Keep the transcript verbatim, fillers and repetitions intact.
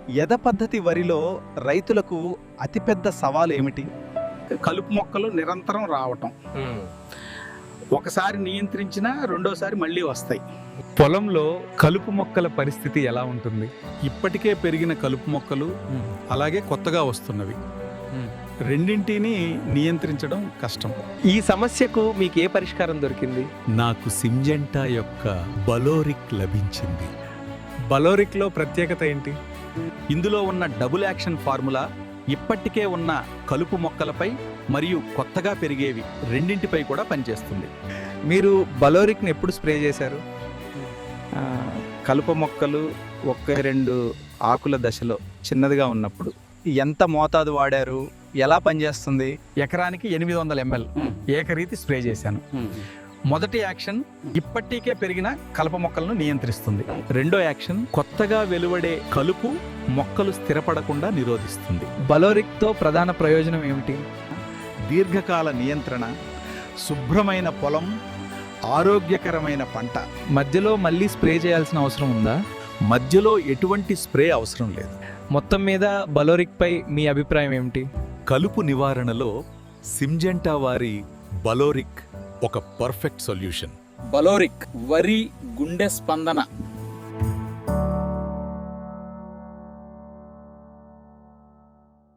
యథ పద్ధతి వరిలో రైతులకు అతిపెద్ద సవాలు ఏమిటి? కలుపు మొక్కలు నిరంతరం రావటం, ఒకసారి నియంత్రించినా రెండోసారి మళ్ళీ వస్తాయి. పొలంలో కలుపు మొక్కల పరిస్థితి ఎలా ఉంటుంది? ఇప్పటికే పెరిగిన కలుపు మొక్కలు అలాగే కొత్తగా వస్తున్నవి, రెండింటిని నియంత్రించడం కష్టం. ఈ సమస్యకు మీకు ఏ పరిష్కారం దొరికింది? నాకు సింజెంటా యొక్క బలోరిక్ లభించింది. బలోరిక్లో ప్రత్యేకత ఏంటి? ఇందులో ఉన్న డబుల్ యాక్షన్ ఫార్ములా ఇప్పటికే ఉన్న కలుపు మొక్కలపై మరియు కొత్తగా పెరిగేవి రెండింటిపై కూడా పనిచేస్తుంది. మీరు బలోరిక్ని ఎప్పుడు స్ప్రే చేశారు? ఆ, కలుపు మొక్కలు ఒక్క రెండు ఆకుల దశలో చిన్నదిగా ఉన్నప్పుడు. ఎంత మోతాదు వాడారు? ఎలా పనిచేస్తుంది? ఎకరానికి ఎనిమిది వందల ఎంఎల్ ఏకరీతి స్ప్రే చేశాను. మొదటి యాక్షన్ ఇప్పటికే పెరిగిన కలుపు మొక్కలను నియంత్రిస్తుంది. రెండో యాక్షన్ కొత్తగా వెలువడే కలుపు మొక్కలు స్థిరపడకుండా నిరోధిస్తుంది. బలోరిక్తో ప్రధాన ప్రయోజనం ఏమిటి? దీర్ఘకాల నియంత్రణ, శుభ్రమైన పొలం, ఆరోగ్యకరమైన పంట. మధ్యలో మళ్ళీ స్ప్రే చేయాల్సిన అవసరం ఉందా? మధ్యలో ఎటువంటి స్ప్రే అవసరం లేదు. మొత్తం మీద బలోరిక్పై మీ అభిప్రాయం ఏమిటి? కలుపు నివారణలో సింజెంటా వారి బలోరిక్ ఒక పర్ఫెక్ట్ సొల్యూషన్. బలోరిక్ వరి గుండె స్పందన.